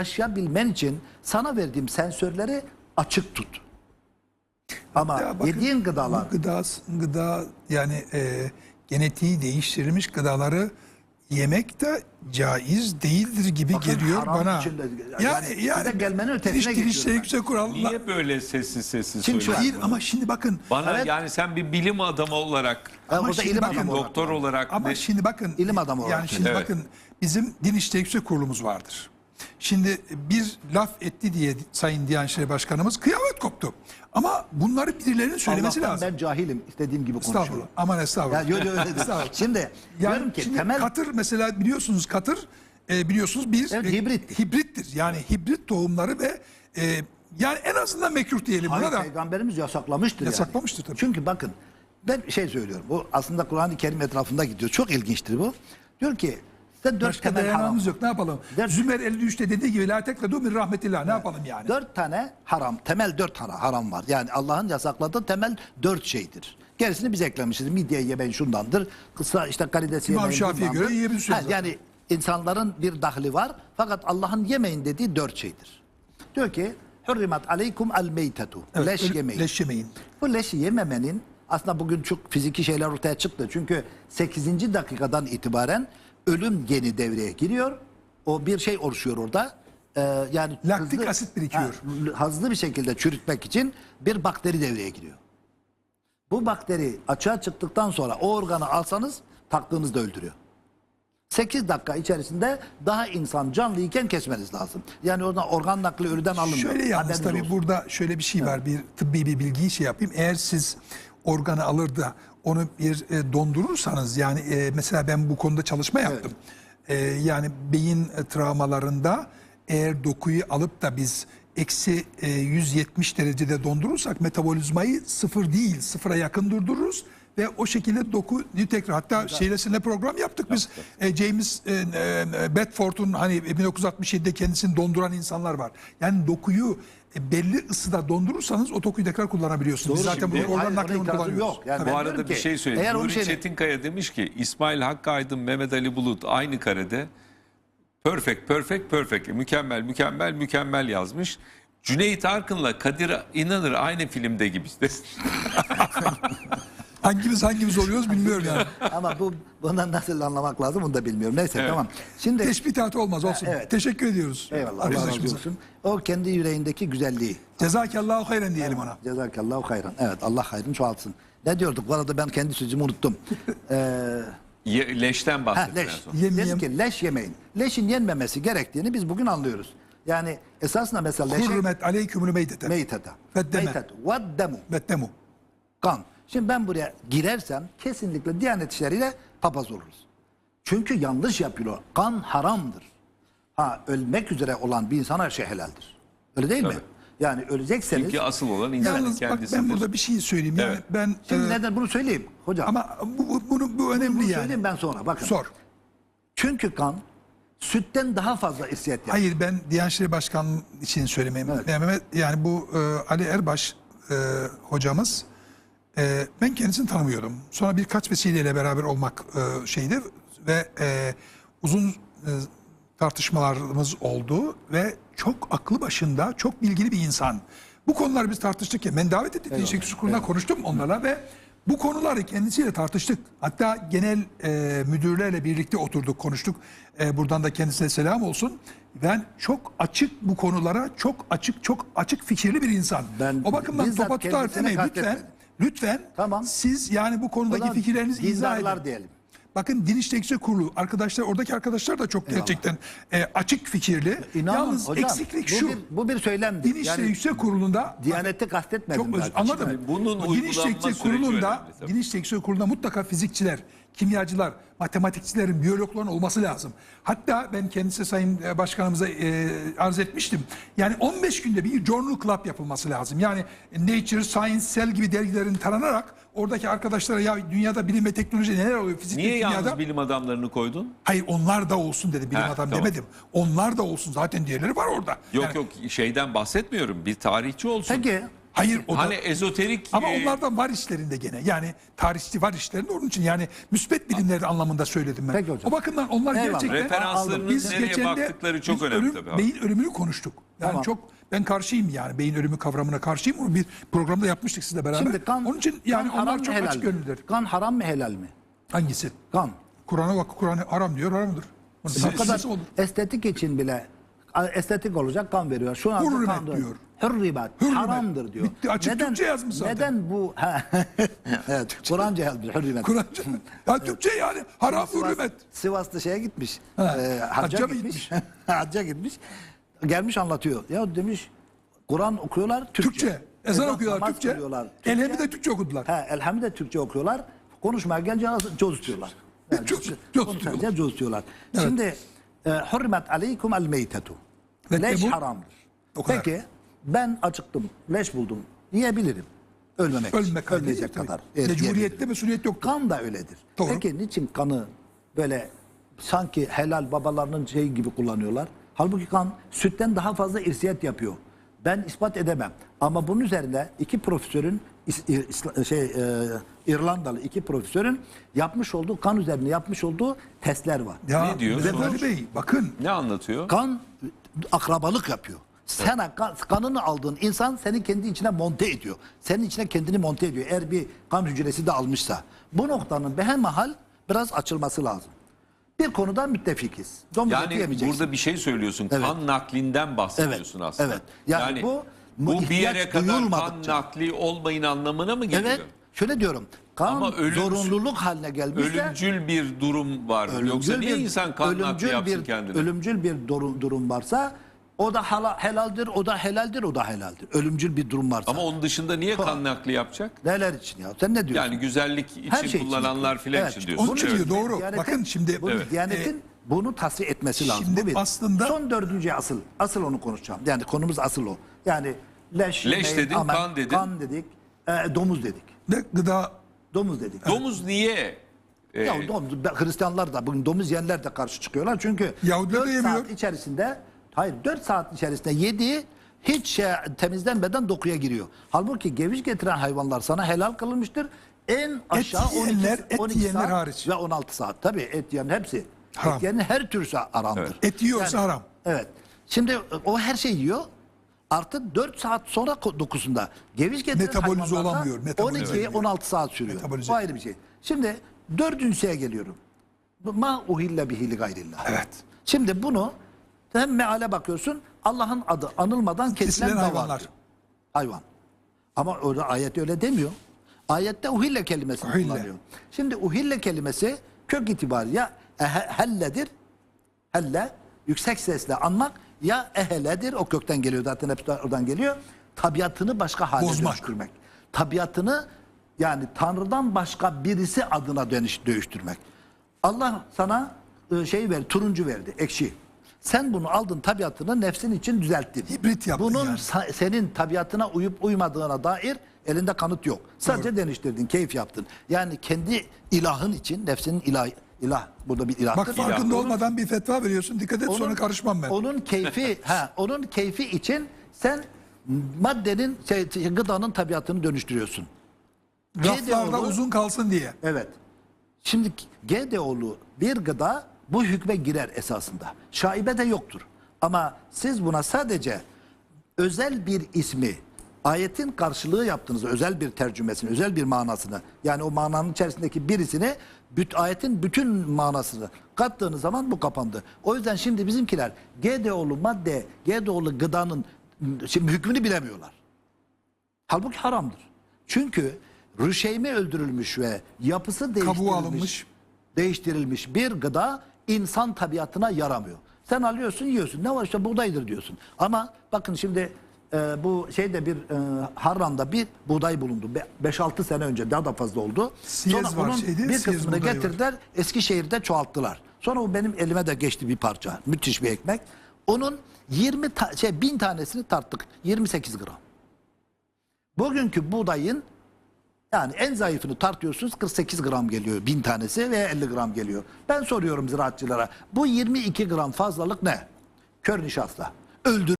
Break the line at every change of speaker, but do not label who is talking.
yaşayabilmen için sana verdiğim sensörleri açık tut. Ama
Ya bakın,
yediğin gıdalar...
Gıda yani genetiği değiştirilmiş gıdaları yemek de caiz değildir gibi
Bakın,
geliyor
haram
bana.
içinde, yani size gelmenin ötesine
Girişte
geçiyorum
yüksek kurallar.
Niye böyle sessiz
Şimdi
söylüyorsun?
Hayır ama şimdi bakın.
Bana
Evet.
yani sen bir bilim adamı olarak,
Ama
Ama şimdi
ilim
bakın,
adamı olarak.
doktor olarak
Ama şimdi bakın.
İlim adamı olarak
Yani şimdi
evet.
bakın bizim Din İşleri Yüksek Kurulumuz vardır. Şimdi bir laf etti diye Sayın Diyanet İşleri Başkanımız kıyamet koptu. Ama bunları birilerinin söylemesi
Allah'tan
lazım.
ben cahilim. İstediğim gibi konuşuyorum.
Estağfurullah. Aman estağfurullah.
Ya, öyle değil.
Estağfurullah.
Şimdi diyorum ki
şimdi
temel...
katır mesela biliyorsunuz katır biliyorsunuz bir
Evet, hibrittir.
hibrittir. Yani hibrit tohumları ve yani en azından mekruh diyelim
Hayır,
buna da.
Peygamberimiz yasaklamıştır
Yasaklamıştır tabii.
Çünkü bakın ben şey söylüyorum. Bu aslında Kur'an-ı Kerim etrafında gidiyor. Çok ilginçtir bu. Diyor ki size 4
Başka
temel haram.
dayanağımız yok. Ne yapalım?
Dört-
Zümer 53'te dediği gibi la tekledu min rahmetillah. Ne yapalım yani?
4 tane haram, temel 4 tane haram var. Yani Allah'ın yasakladığı temel 4 şeydir. Gerisini biz eklemişiz. Midye yemeyin şundandır. Kısa işte karides
İmam
yemeyin
Şafii'ye
bundandır.
göre yiyebilirsiniz zaten.
Yani insanların bir dahli var. Fakat Allah'ın yemeyin dediği 4 şeydir. Diyor ki hurrimat aleykum el meytetu.
Evet,
Leş yemeyin.
leş yemeyin.
Bu leşi yememenin aslında bugün çok fiziki şeyler ortaya çıktı. Çünkü 8. dakikadan itibaren ölüm geni devreye giriyor. O bir şey oluşuyor orada. Yani
Laktik asit birikiyor.
Hızlı bir şekilde çürütmek için bir bakteri devreye giriyor. Bu bakteri açığa çıktıktan sonra o organı alsanız taktığınızda öldürüyor. 8 dakika içerisinde daha insan canlıyken kesmeniz lazım. Yani oradan organ nakli ölüden alınmıyor.
Şöyle yalnız
Haberiniz
tabii
olsun.
burada şöyle bir şey var. Bir tıbbi bir bilgiyi şey yapayım. Eğer siz organı alır da onu bir dondurursanız yani mesela ben bu konuda çalışma yaptım. Yani beyin travmalarında eğer dokuyu alıp da biz eksi 170 derecede dondurursak metabolizmayı sıfır değil sıfıra yakın durdururuz. Ve o şekilde dokuyu tekrar hatta şeylesine program yaptık biz. James Bedford'un hani 1967'de kendisini donduran insanlar var. Yani dokuyu belli ısıda dondurursanız o dokuyu tekrar kullanabiliyorsunuz. Biz
Doğru,
zaten
şimdi-
bunu organ
Hayır, ona
naklini
itirazım
kullanıyoruz.
yok. Yani
Tabii.
ben
bu
diyorum
arada bir
ki,
şey söyleyeyim.
eğer o
Nuri
şeyin-
Çetinkaya demiş ki İsmail Hakkı Aydın, Mehmet Ali Bulut aynı karede perfect mükemmel yazmış. Cüneyt Arkın'la Kadir İnanır aynı filmde gibi.
Hangimiz oluyoruz bilmiyorum yani.
Ama bundan nasıl anlamak lazım onu da bilmiyorum. Neyse
Evet.
tamam. Şimdi
Teşbihatı olmaz olsun.
Evet.
Teşekkür ediyoruz.
eyvallah Allah razı
arkadaşımıza.
olsun. O kendi yüreğindeki güzelliği.
Cezakallahu hayran diyelim ona.
Cezakallahu hayran. Evet Allah hayrını çoğaltsın. Ne diyorduk? Bu arada ben kendi sözümü unuttum.
Leşten bahsettiler
Leş.
sonra.
Dedim ki leş yemeyin. Leşin yenmemesi gerektiğini biz bugün anlıyoruz. Yani esasında mesela leşe
Hurmet aleykümül meytete.
meytete.
Veddeme.
Meytet. Veddemu.
Veddemu.
Kan. Şimdi ben buraya girersem kesinlikle Diyanet İşleri'yle papaz oluruz. Çünkü yanlış yapıyor. Kan haramdır. Ha ölmek üzere olan bir insan her şey helaldir. Öyle değil mi?
Tabii.
Yani ölecekseniz...
Çünkü asıl olan insanın
Yalnız bak
kendisidir.
ben burada bir şey söyleyeyim. Yani
Evet.
ben
Şimdi neden bunu söyleyeyim hocam?
ama bu önemli
bunu
yani.
söyleyeyim ben sonra. Bakın.
Sor.
Çünkü kan sütten daha fazla irsiyet yapar.
Hayır ben Diyanet İşleri Başkanı için söylemeyeyim.
Evet.
Yani bu Ali Erbaş hocamız ben kendisini tanımıyordum. Sonra birkaç vesileyle beraber olmak şeydi ve uzun tartışmalarımız oldu ve çok aklı başında, çok bilgili bir insan. Bu konuları biz tartıştık ya. Ben davet ettiğim Diyanet Kurulu'na konuştum onlarla ve bu konuları kendisiyle tartıştık. Hatta genel müdürlerle birlikte oturduk, konuştuk. Buradan da kendisine selam olsun. Ben çok açık bu konulara, çok açık fikirli bir insan.
Ben
O bakımdan
bizzat
topa tutar
kendisine
demeyin
kastetmedim.
lütfen.
Tamam.
Siz yani bu konudaki
Ulan
fikirlerinizi izah
dindarlar
edin.
diyelim.
Bakın Din İşleri Yüksek Kurulu arkadaşlar, oradaki arkadaşlar da çok gerçekten açık fikirli.
İnanın
Yalnız
hocam,
eksiklik
bu
şu.
bu bir söylemdir.
Din İşleri Yüksek Kurulu'nda
Diyaneti kastetmedim.
çok
zaten.
anladım.
Şimdi bunun
Din İşleri
uygulanma
Yüksek
süreci
Kurulu'nda,
önemli tabii.
Din İşleri Yüksek Kurulu'nda mutlaka fizikçiler, kimyacılar, matematikçilerin, biyologların olması lazım. Hatta ben kendisi Sayın Başkanımıza arz etmiştim. Yani 15 günde bir Journal Club yapılması lazım. Yani Nature, Science, Cell gibi dergilerin taranarak oradaki arkadaşlara ya dünyada bilim ve teknoloji neler oluyor fizikte,
Niye
kimyada?
yalnız bilim adamlarını koydun?
Hayır onlar da olsun dedi bilim
Ha,
adam
tamam.
demedim. Onlar da olsun zaten diğerleri var orada.
Yok
Yani
yok şeyden bahsetmiyorum. Bir tarihçi olsun.
Peki
Hayır o da.
Hani ezoterik
Ama onlardan var işlerinde gene. Yani tarihçi var işlerinde, onun için yani müspet bilimleri anlamında söyledim ben.
Peki hocam.
O bakımdan onlar
Eyvallah.
gerçekten
referanslarınız
biz
nereye
geçen de
baktıkları çok
biz
önemli tabii abi.
beyin ölümünü konuştuk. Yani
Tamam.
ben karşıyım yani beyin ölümü kavramına karşıyım. Onu bir programda yapmıştık sizle beraber.
Şimdi kan,
onun için yani
kan haram
onlar
mı,
çok
helal
açık
mi?
gönüllüler.
Kan haram mı helal mi?
Hangisi?
Kan.
Kur'an'a bak, Kur'an haram diyor, haramdır.
O kadar
Nasıl olur?
estetik için bile estetik olacak kan veriyor. Şu anda
Hürrimet
kan
diyor.
Hürrimet.
Hürrimet.
Haramdır diyor.
Bitti, açık Türkçe yazmış zaten.
Neden bu? Evet, Kur'anca yazmış hürrimet.
Kur'anca. Ya Türkçe yani haram hürmet.
Sivas'ta şeye gitmiş.
Hacca
Hacca
mı
gitmiş. Hacca gitmiş. Gelmiş anlatıyor. Ya demiş Kur'an okuyorlar Türkçe.
Türkçe. Ezan okuyorlar
namaz
Türkçe.
kılıyorlar
Elhem'i de Türkçe okudular.
Elhamdülillah de Türkçe okuyorlar. Konuşmaya gelince coz diyorlar. Yani
Coz
konuşunca coz diyorlar. Şimdi hürmet aleykum el meytetu.
Ve
Leş
bu-
haramdır.
O kadar.
Peki ben acıktım, leş buldum. Yiyebilirim. Ölmemek için.
Ölmek
Ölmeyecek
tabii.
kadar. Evet,
Mecburiyette
yiyebilirim.
mesuliyet yoktur.
Kan da öyledir.
Doğru.
Peki niçin kanı böyle sanki helal babalarının şeyi gibi kullanıyorlar? Halbuki kan sütten daha fazla irsiyet yapıyor. Ben ispat edemem. Ama bunun üzerine iki profesörün İrlandalı iki profesörün yapmış olduğu kan üzerine yapmış olduğu testler var.
Ya
Ne diyor?
Mehmet Ali Bey bakın.
ne anlatıyor?
Kan akrabalık yapıyor. Sen kanını aldığın insan seni kendi içine monte ediyor. Senin içine kendini monte ediyor. Eğer bir kan hücresi de almışsa. Bu noktanın behemahal biraz açılması lazım. Bir konuda müttefikiz. Domuz eti
Yani
yemeyeceksin.
burada bir şey söylüyorsun.
Evet.
Kan naklinden bahsediyorsun
Evet,
aslında.
evet. Yani bu
bu bir
ihtiyaç
yere kadar kan
duyulmadıkça.
nakli olmayın anlamına mı geliyor?
Evet. Şöyle diyorum. Kan
Ama
zorunluluk haline gelmişse
Ölümcül bir durum var. Yoksa niye insan kan nakli yapsın kendine?
Ölümcül bir durum varsa o da helaldir, o da helaldir, o da helaldir. Ölümcül bir durum varsa.
Ama onun dışında niye kan nakli yapacak?
Neler için ya? Sen ne diyorsun?
Yani güzellik için
Her şey için
kullananlar
yapıyor.
filan
Evet.
için diyorsun.
Onun için
Evet.
diyor, doğru.
Diyanetin-
Bakın şimdi
bunu, Diyanetin bunu tasfiye etmesi lazım.
şimdi
Bu bir.
aslında-
Son dördüncü asıl onu konuşacağım. Yani konumuz asıl o. Yani leş yemeyin,
dedin,
amel,
kan dedin.
kan dedik, domuz dedik.
de gıda
Domuz dedik.
Domuz niye?
Ya Hristiyanlar da bugün domuz yiyenler de karşı çıkıyorlar. Çünkü
Yahudiler de
4
yemiyor.
saat içerisinde 4 saat içerisinde yediği hiç temizlenmeden dokuya giriyor. Halbuki geviş getiren hayvanlar sana helal kılınmıştır. En aşağı
yiyenler,
12
yiyenler
saat
hariç.
ve 16 saat. Tabii et yiyen hepsi.
Haram.
Et yiyenin her türlü haramdır.
et yiyorsa haram.
Evet. Şimdi o her şey yiyor. Artı 4 saat sonra dokusunda geviş getiren
Metabolize
hayvanlarda
olamıyor, metabolize
12-16 saat sürüyor.
Metabolize.
O ayrı bir şey. Şimdi dördüncüye geliyorum. Ma uhille bihi li gayrillah.
Evet.
Şimdi bunu hem meale bakıyorsun Allah'ın adı anılmadan kesilen
Kesilen
hayvanlar.
hayvanlar.
Hayvan. Ama orada ayet öyle demiyor. Ayette uhille kelimesini
Uhille.
kullanıyor. Şimdi uhille kelimesi kök itibariyle ya helledir. Helle yüksek sesle anmak ya eheledir. O kökten geliyor zaten hep oradan geliyor. Tabiatını başka hale
Bozmak.
dönüştürmek. Tabiatını yani Tanrı'dan başka birisi adına dönüştürmek. Allah sana turuncu verdi, ekşi. Sen bunu aldın tabiatını nefsin için düzelttin.
Hibrit yaptın
Bunun
yani.
senin tabiatına uyup uymadığına dair elinde kanıt yok. Sadece değiştirdin, keyif yaptın. Yani kendi ilahın için nefsinin ilah burada bir ilahtır.
Bak farkında
Onun-
olmadan bir fetva veriyorsun. Dikkat et sonra karışmam ben.
Onun keyfi onun keyfi için sen maddenin gıdanın tabiatını dönüştürüyorsun.
Raflarda
GDO'lu
uzun kalsın diye.
Evet. Şimdi GDO'lu bir gıda bu hükme girer esasında. Şaibe de yoktur. Ama siz buna sadece özel bir ismi ayetin karşılığı yaptığınızda özel bir tercümesini, özel bir manasını yani o mananın içerisindeki birisini ayetin bütün manasını kattığınız zaman bu kapandı. O yüzden şimdi bizimkiler GDO'lu madde, GDO'lu gıdanın şimdi hükmünü bilemiyorlar. Halbuki haramdır. Çünkü rüşeyme öldürülmüş ve yapısı değiştirilmiş bir gıda insan tabiatına yaramıyor. Sen alıyorsun yiyorsun. Ne var işte buğdaydır diyorsun. Ama bakın şimdi bu bir Harran'da bir buğday bulundu. 5-6 sene önce daha da fazla oldu.
Siyez
Sonra
var
onun
şeyde,
bir
siyez
kısmını
buğdayı var.
getirdiler Eskişehir'de çoğalttılar. Sonra o benim elime de geçti bir parça. Müthiş bir ekmek. Onun 1000 tanesini tarttık. 28 gram. Bugünkü buğdayın yani en zayıfını tartıyorsunuz 48 gram geliyor 1000 tanesi veya 50 gram geliyor. Ben soruyorum ziraatçılara bu 22 gram fazlalık ne? Kör nişasta. Öldür